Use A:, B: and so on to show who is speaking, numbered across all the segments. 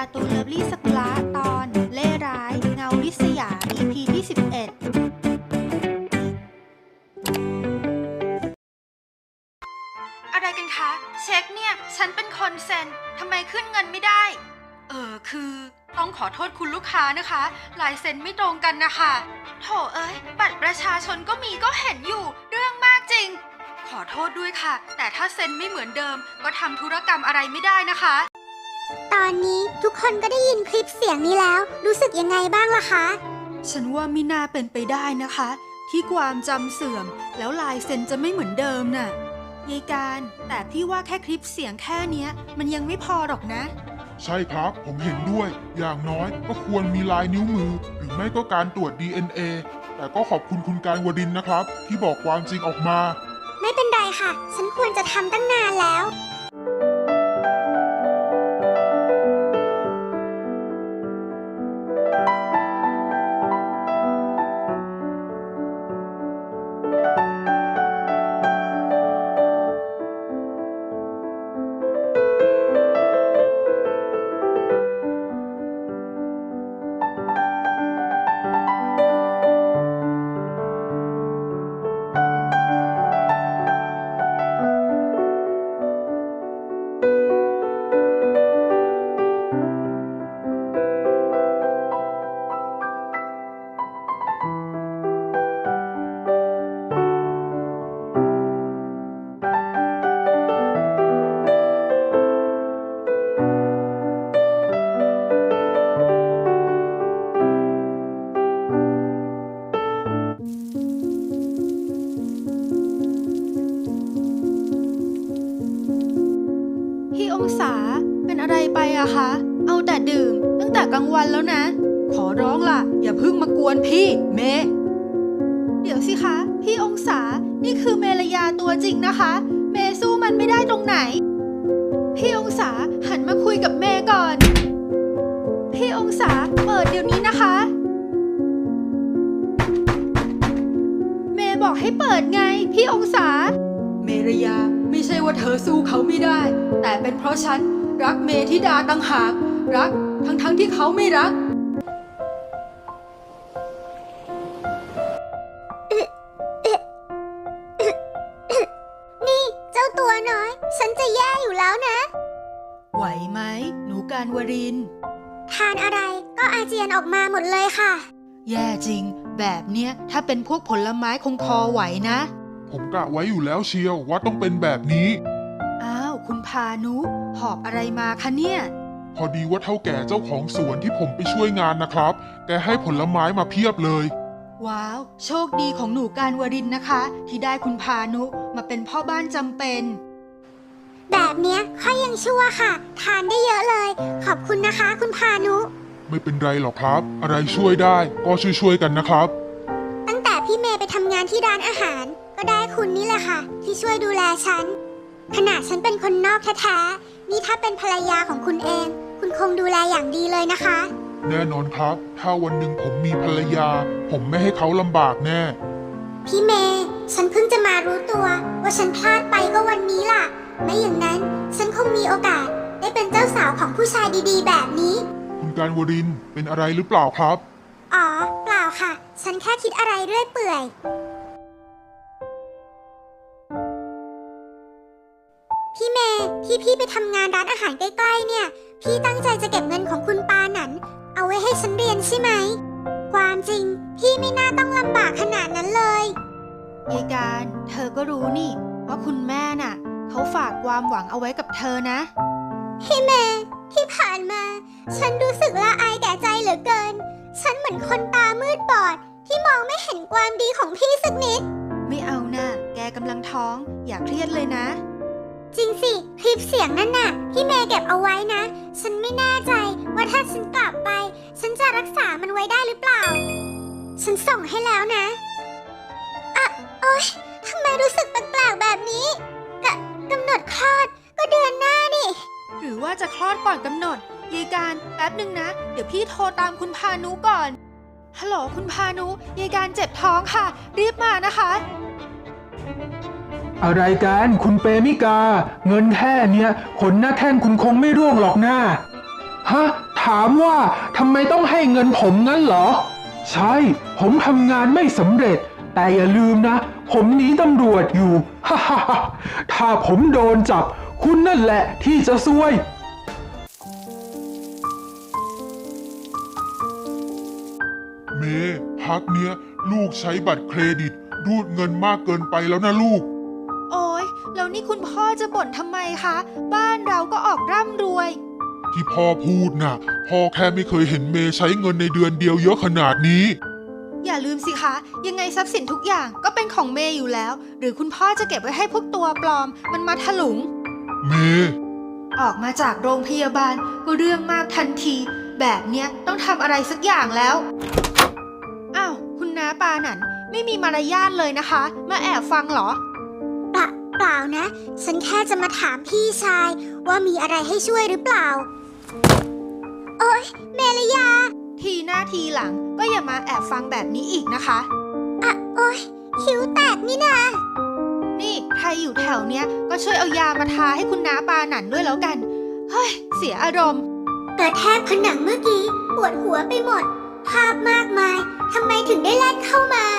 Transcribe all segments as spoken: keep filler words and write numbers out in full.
A: การ์ตูนเลิฟลี่สกุละตอนเล่ร้ายเงาริษยา อี พี ที่สิบเอ็ดอะไรกันคะเช็คเนี่ยฉันเป็นคนเซ็นทำไมขึ้นเงินไม่ได้เออคือต้องขอโทษคุณลูกค้านะคะลายเซ็นไม่ตรงกันนะคะโถเอ้ยบัตรประชาชนก็มีก็เห็นอยู่เรื่องมากจริงขอโทษด้วยค่ะแต่ถ้าเซ็นไม่เหมือนเดิมก็ทำธุรกรรมอะไรไม่ได้นะคะ
B: ตอนนี้ทุกคนก็ได้ยินคลิปเสียงนี้แล้วรู้สึกยังไงบ้างล่ะคะ
A: ฉันว่าไม่น่าเป็นไปได้นะคะที่ความจำเสื่อมแล้วลายเซ็นจะไม่เหมือนเดิมน่ะยายการแต่พี่ว่าแค่คลิปเสียงแค่เนี้ยมันยังไม่พอหรอกนะ
C: ใช่ครับผมเห็นด้วยอย่างน้อยก็ควรมีลายนิ้วมือหรือไม่ก็การตรวจ ดี เอ็น เอ แต่ก็ขอบคุณคุณการวรินทร์นะครับที่บอกความจริงออกมา
B: ไม่เป็นไรค่ะฉันควรจะทำตั้งนานแล้ว
A: องศาเป็นอะไรไปอะคะเอาแต่ดื่มตั้งแต่กลางวันแล้วนะขอร้องล่ะอย่าเพิ่งมากวนพี่เมเดี๋ยวสิคะพี่องศานี่คือเมรยาตัวจริงนะคะเมสู้มันไม่ได้ตรงไหนพี่องศาหันมาคุยกับเมก่อนพี่องศาเปิดเดี๋ยวนี้นะคะเมบอกให้เปิดไงพี่องศาเมรยาไม่ใช่ว่าเธอสู้เขาไม่ได้แต่เป็นเพราะฉันรักเมธิดาต่างหากรักทั้งๆ ท, ที่เขาไม่รัก
B: นี่เจ้าตัวน้อยฉันจะแย่อยู่แล้วนะ
A: ไหวไหมหนูการวรินทร์
B: ทานอะไรก็อาเจียนออกมาหมดเลยค่ะ
A: แย่จริงแบบเนี้ยถ้าเป็นพวกผลไม้คงพอไหวนะ
C: ผมกะไว้อยู่แล้วเชียวว่าต้องเป็นแบบนี้
A: อ้าวคุณพานุหอบอะไรมาคะเนี่ย
C: พอดีว่าเท่าแก่เจ้าของสวนที่ผมไปช่วยงานนะครับแกให้ผลไม้มาเพียบเลย
A: ว้าวโชคดีของหนูการวรินทร์นะคะที่ได้คุณพานุมาเป็นพ่อบ้านจำเป็น
B: แบบเนี้ยค่อยยังชั่วค่ะทานได้เยอะเลยขอบคุณนะคะคุณพานุ
C: ไม่เป็นไรหรอกครับอะไรช่วยได้ก็ช่วยๆกันนะครับ
B: ตั้งแต่พี่เมย์ไปทำงานที่ร้านอาหารก็ได้คุณนี่แหละค่ะที่ช่วยดูแลฉันขนาดฉันเป็นคนนอกแท้ๆนี่ถ้าเป็นภรรยาของคุณเองคุณคงดูแลอย่างดีเลยนะคะ
C: แน่นอนครับถ้าวันหนึ่งผมมีภรรยาผมไม่ให้เขาลำบากแน่
B: พี่เมย์ฉันเพิ่งจะมารู้ตัวว่าฉันพลาดไปก็วันนี้ล่ะไม่อย่างนั้นฉันคงมีโอกาสได้เป็นเจ้าสาวของผู้ชายดีๆแบบนี้
C: คุณการวรินทร์เป็นอะไรหรือเปล่าครับ
B: อ๋อเปล่าค่ะฉันแค่คิดอะไรเรื่อยเปื่อยพี่เมย์ที่พี่ไปทำงานร้านอาหารใกล้ๆเนี่ยพี่ตั้งใจจะเก็บเงินของคุณปาหนันเอาไว้ให้ฉันเรียนใช่ไหมความจริงพี่ไม่น่าต้องลำบากขนาดนั้นเลย
A: ยายการเธอก็รู้นี่ว่าคุณแม่น่ะเขาฝากความหวังเอาไว้กับเธอนะ
B: พี่เมย์ที่ผ่านมาฉันรู้สึกละอายแก่ใจเหลือเกินฉันเหมือนคนตามืดบอดที่มองไม่เห็นความดีของพี่สักนิด
A: ไม่เอานะแกกำลังท้องอย่าเครียดเลยนะ
B: จริงสิคลิปเสียงนั่นน่ะพี่เมย์เก็บเอาไว้นะฉันไม่แน่ใจว่าถ้าฉันกลับไปฉันจะรักษามันไว้ได้หรือเปล่าฉันส่งให้แล้วนะอะโอ๊ยทำไมรู้สึกแปลกๆแบบนี้กะกำหนดคลอดก็เดือนหน้านี่
A: หรือว่าจะคลอดก่อนกำหนดยายการแป๊บนึงนะเดี๋ยวพี่โทรตามคุณพานุก่อนฮัลโหลคุณพานุยายการเจ็บท้องค่ะรีบมานะคะ
D: อะไรกันคุณเปมิกาเงินแค่เนี้ยขนหน้าแข้งคุณคงไม่ร่วงหรอกนะฮะทถามว่าทำไมต้องให้เงินผมงั้นเหรอ ใช่ ผมทำงานไม่สำเร็จ แต่อย่าลืมนะ ผมหนีตำรวจอยู่ ฮ่าฮ่าฮ่าถ้าผมโดนจับ คุณนั่นแหละที่จะซวย
C: เมย์พักเนี้ยลูกใช้บัตรเครดิตรูดเงินมากเกินไปแล้วนะลูก
A: โอ้ยแล้วนี่คุณพ่อจะบ่นทำไมคะ บ้านเราก็ออกร่ำรวย
C: ที่พ่อพูดน่ะ พ่อแค่ไม่เคยเห็นเมย์ใช้เงินในเดือนเดียวเยอะขนาดนี้
A: อย่าลืมสิคะ ยังไงทรัพย์สินทุกอย่างก็เป็นของเมย์อยู่แล้ว หรือคุณพ่อจะเก็บไว้ให้พวกตัวปลอม มันมาถลุง
C: เมย์
A: ออกมาจากโรงพยาบาลก็เรื่องมากทันที แบบเนี้ยต้องทำอะไรสักอย่างแล้ว อ้าว คุณน้าปาหนันไม่มีมารยาทเลยนะคะ มาแอบฟังเหรอ
B: เปล่าเปล่านะ ฉันแค่จะมาถามพี่ชายว่ามีอะไรให้ช่วยหรือเปล่า โอ๊ยเมลยา
A: ทีหน้าทีหลังก็อย่ามาแอบฟังแบบนี้อีกนะคะ
B: อะโอ๊ยคิ้วแตกนี่นา
A: นี่ใครอยู่แถวเนี้ยก็ช่วยเอายามาทาให้คุณน้าปาหนันด้วยแล้วกัน เฮ้ย เสียอารมณ์
B: กระแทกผนังเมื่อกี้ปวดหัวไปหมด ภาพมากมายทำไมถึงได้แล่นเข้ามา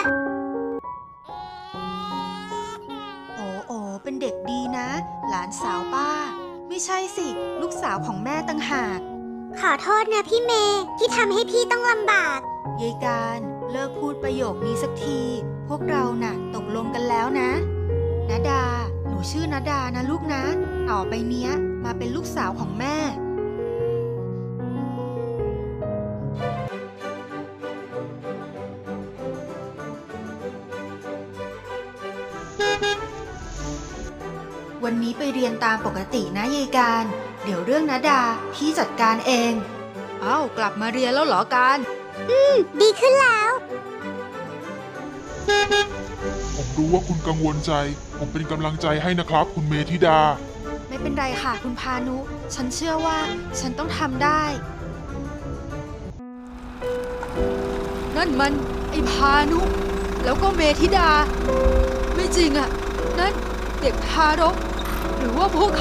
A: โอ้โอเป็นเด็กดีนะ หลานสาวป้า ไม่ใช่สิ ลูกสาวของแม่ตั้งหาก
B: ขอโทษนะพี่เมย์ที่ทำให้พี่ต้องลำบาก
A: ยายการเลิกพูดประโยคนี้สักที พวกเราน่ะตกลงกันแล้วนะนาดา หนูชื่อนาดานะลูกนะ ต่อไปเนี้ยมาเป็นลูกสาวของแม่ วันนี้ไปเรียนตามปกตินะยายการ เดี๋ยวเรื่องนาดาพี่จัดการเอง เอ้ากลับมาเรียนแล้วเหรอการ
B: ดีขึ้นแล้ว
C: ผมรู้ว่าคุณกังวลใจ ผมเป็นกำลังใจให้นะครับ คุณเมธิดา
A: ไม่เป็นไรค่ะคุณพานุ ฉันเชื่อว่าฉันต้องทำได้ นั่นมันไอ้พานุ แล้วก็เมธิดา ไม่จริงอะนั่นเด็กทารก หรือว่าพวกเขา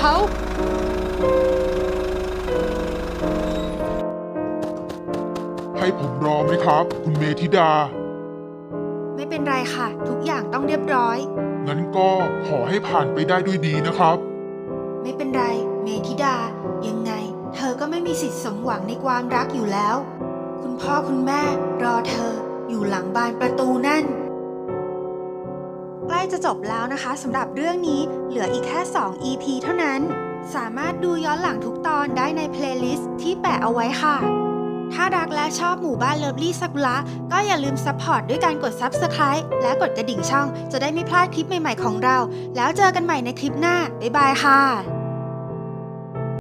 C: ให้ผมรอไหมครับ คุณเมธิดา
A: ไม่เป็นไรค่ะ ทุกอย่างต้องเรียบร้อย
C: งั้นก็ขอให้ผ่านไปได้ด้วยดีนะครับ
A: ไม่เป็นไร เมธิดา ยังไง เธอก็ไม่มีสิทธิ์สมหวังในความรักอยู่แล้ว คุณพ่อคุณแม่รอเธออยู่หลังบานประตูนั่น ใกล้จะจบแล้วนะคะสำหรับเรื่องนี้เหลืออีกแค่ สอง อี พี เท่านั้น สามารถดูย้อนหลังทุกตอนได้ในเพลย์ลิสต์ที่แปะเอาไว้ค่ะ ถ้ารักและชอบหมู่บ้านเลิฟลี่ซากุระก็อย่าลืมซัพพอร์ตด้วยการกด ซับสไครบ์ และกดกระดิ่งช่องจะได้ไม่พลาดคลิปใหม่ๆของเรา แล้วเจอกันใหม่ในคลิปหน้า บ๊ายบายค่ะ